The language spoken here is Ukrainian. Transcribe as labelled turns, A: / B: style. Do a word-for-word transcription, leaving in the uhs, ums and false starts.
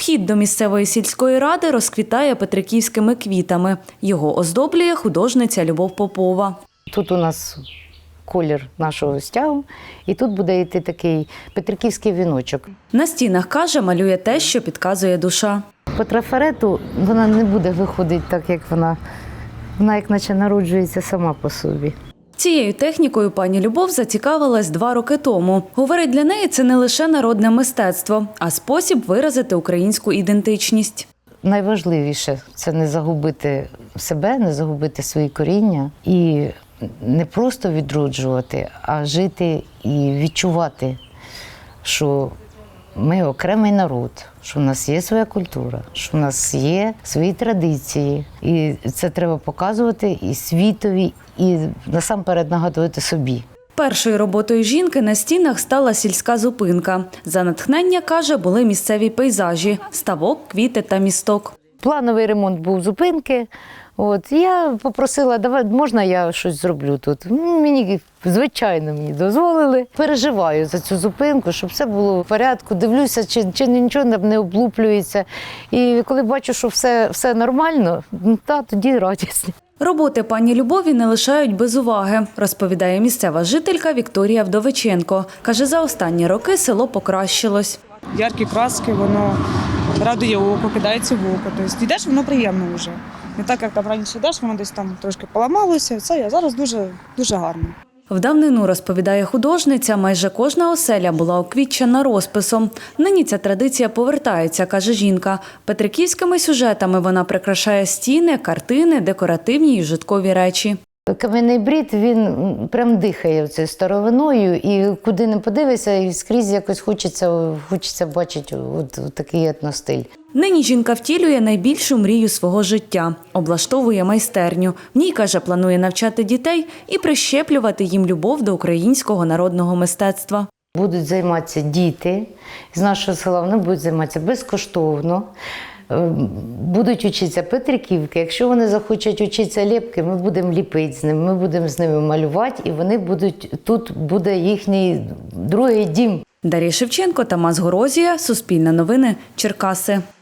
A: Вхід до місцевої сільської ради розквітає петриківськими квітами. Його оздоблює художниця Любов Попова.
B: Тут у нас колір нашого стягу, і тут буде йти такий петриківський віночок.
A: На стінах, каже, малює те, що підказує душа.
B: По трафарету вона не буде виходити так, як вона, вона як наче народжується сама по собі.
A: Цією технікою пані Любов зацікавилась два роки тому. Говорить, для неї це не лише народне мистецтво, а спосіб виразити українську ідентичність.
B: Найважливіше – це не загубити себе, не загубити свої коріння і не просто відроджувати, а жити і відчувати, що ми окремий народ, що в нас є своя культура, що в нас є свої традиції. І це треба показувати і світові, і насамперед нагадувати собі.
A: Першою роботою жінки на стінах стала сільська зупинка. За натхнення, каже, були місцеві пейзажі – ставок, квіти та місток.
B: Плановий ремонт був зупинки. От, я попросила, давай, можна я щось зроблю тут? Мені, звичайно, мені дозволили. Переживаю за цю зупинку, щоб все було в порядку. Дивлюся, чи, чи нічого не облуплюється. І коли бачу, що все, все нормально, та, тоді радість.
A: Роботи пані Любові не лишають без уваги, розповідає місцева жителька Вікторія Вдовиченко. Каже, за останні роки село покращилось.
C: Яркі краски, воно радує око, кидається в око. Тобто йдеш, воно приємно вже. Не так, як там раніше йдеш, воно десь там трошки поламалося. Це а зараз дуже, дуже гарно.
A: В давнину, розповідає художниця, майже кожна оселя була оквітчена розписом. Нині ця традиція повертається, каже жінка. Петриківськими сюжетами вона прикрашає стіни, картини, декоративні і вжиткові речі.
B: Кам'яний брід, він прям дихає цією старовиною, і куди не подивишся, і скрізь якось хочеться, хочеться бачити от, от такий етностиль.
A: Нині жінка втілює найбільшу мрію свого життя – облаштовує майстерню. В ній, каже, планує навчати дітей і прищеплювати їм любов до українського народного мистецтва.
B: Будуть займатися діти з нашого села, вони будуть займатися безкоштовно. Будуть вчитися Петриківки. Якщо вони захочуть вчитися ліпки, ми будемо ліпити з ними, ми будемо з ними малювати, і вони будуть, тут буде їхній другий дім.
A: Дар'я Шевченко, Тамас Горозія, Суспільне новини, Черкаси.